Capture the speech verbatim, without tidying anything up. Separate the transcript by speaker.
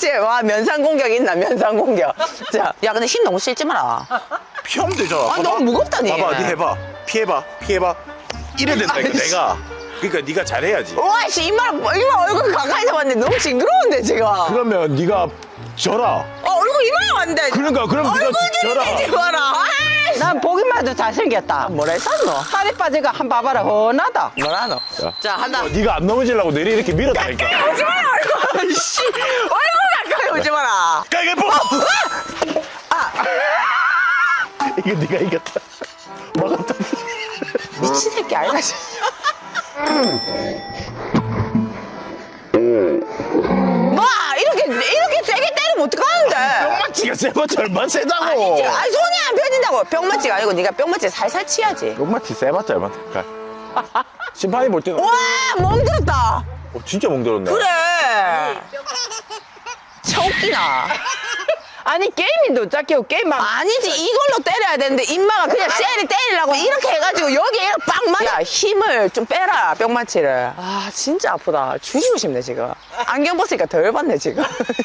Speaker 1: 그렇지. 와, 면상 공격 있나, 면상 공격. 자, 야, 근데 힘 너무 실지 마라.
Speaker 2: 피하면 되잖아.
Speaker 1: 아,
Speaker 2: 봐봐.
Speaker 1: 너무 무겁다니.
Speaker 2: 봐봐, 니 해봐. 피해봐, 피해봐. 이래 된다니까,
Speaker 1: 아이씨.
Speaker 2: 내가. 그러니까 네가 잘해야지.
Speaker 1: 와, 씨, 이마, 이마 얼굴 가까이서 봤는데 너무 징그러운데, 지금. 어,
Speaker 2: 그러면 네가 져라.
Speaker 1: 얼굴 이마에 왔는데.
Speaker 2: 그러니까, 그럼 네가
Speaker 1: 얼굴
Speaker 2: 져라.
Speaker 1: 좀 내지 마라. 아이씨.
Speaker 3: 난 보기만 해도 잘생겼다.
Speaker 1: 뭐라 했었노?
Speaker 3: 살이 빠지가 한 봐봐라 헌하다.
Speaker 1: 뭐라노? 자, 한다.
Speaker 2: 어, 네가 안 넘어지려고 내리 이렇게 밀었다니까.
Speaker 1: 오지 마라, 얼굴. 씨. 얼굴 가까이 오지 마라.
Speaker 2: 가위바위보!
Speaker 1: 아,
Speaker 2: 이거 네가 이겼다. 막았다.
Speaker 1: 미친 새끼 아이가. 뭐, 이렇게, 이렇게 세게 때리면 어떡하는데?
Speaker 2: 뿅마치가 세봤자 얼마나 세다고.
Speaker 1: 아니지. 아니, 손이 안 펴진다고. 뿅마치가 아니고 네가 뿅마치 살살 치야지.
Speaker 2: 뿅마치 세봤자 얼마나 가. 심판이 볼 때는
Speaker 1: 와, 멍들었다.
Speaker 2: 어, 진짜 멍들었네.
Speaker 1: 그래. 처웃기나.
Speaker 3: 아니 게임인도 짝게고 게임만.
Speaker 1: 아니지, 이걸로 때려야 되는데 임마가 그냥 쎄리 때리려고 이렇게 해가지고 여기에 빡 맞아. 야, 힘을 좀 빼라, 뿅마치를. 아, 진짜 아프다. 죽이고 싶네, 지금. 안경 벗으니까 덜 받네, 지금.